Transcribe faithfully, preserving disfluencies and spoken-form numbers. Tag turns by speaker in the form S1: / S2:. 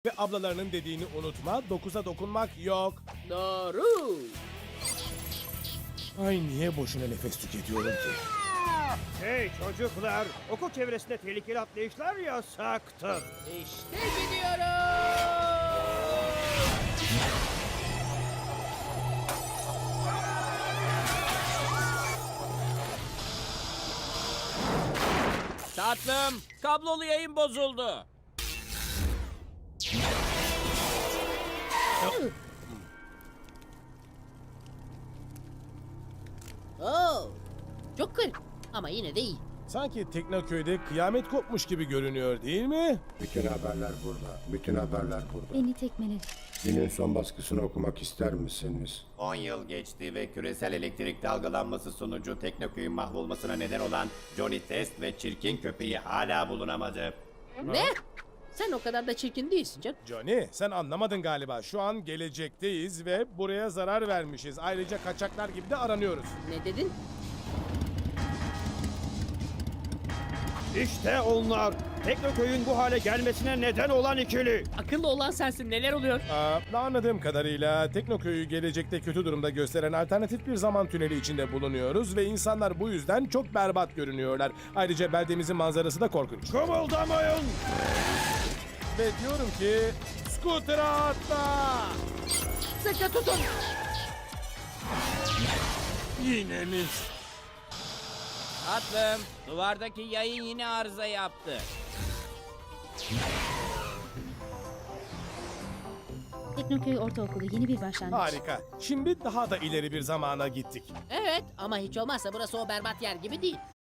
S1: Ve ablalarının dediğini unutma, dokuza dokunmak yok.
S2: Doğru.
S1: Ay niye boşuna nefes tüketiyorum ki?
S3: Hey çocuklar, okul çevresinde tehlikeli atlayışlar yasaktır.
S2: İşte gidiyorum. Tatlım, kablolu yayın bozuldu.
S4: Oo, çok garip ama yine de iyi.
S1: Sanki Teknoköy'de kıyamet kopmuş gibi görünüyor değil mi?
S5: Bütün haberler burada. Bütün haberler burada.
S6: Beni tekmele.
S5: Günün son baskısını okumak ister misiniz?
S7: on yıl geçti ve küresel elektrik dalgalanması sonucu Teknoköy'ün mahvolmasına neden olan Johnny Test ve çirkin köpeği hala bulunamadı.
S4: Ne? Sen o kadar da çirkin değilsin canım.
S1: Johnny, sen anlamadın galiba. Şu an gelecekteyiz ve buraya zarar vermişiz. Ayrıca kaçaklar gibi de aranıyoruz.
S4: Ne dedin?
S3: İşte onlar. Teknoköy'ün bu hale gelmesine neden olan ikili.
S2: Akıllı olan sensin, neler oluyor?
S1: Aa, anladığım kadarıyla Teknoköy'ü gelecekte kötü durumda gösteren alternatif bir zaman tüneli içinde bulunuyoruz ve insanlar bu yüzden çok berbat görünüyorlar. Ayrıca beldemizin manzarası da korkunç.
S3: Kımıldamayın.
S1: Ve diyorum ki, scooter'a atla!
S4: Sıkı tutun.
S1: Yine mi?
S2: Tatlım, duvardaki yayın yine arıza yaptı.
S6: Teknoköy Ortaokulu yeni bir başlangıç.
S1: Harika. Şimdi daha da ileri bir zamana gittik.
S4: Evet ama hiç olmazsa burası o berbat yer gibi değil.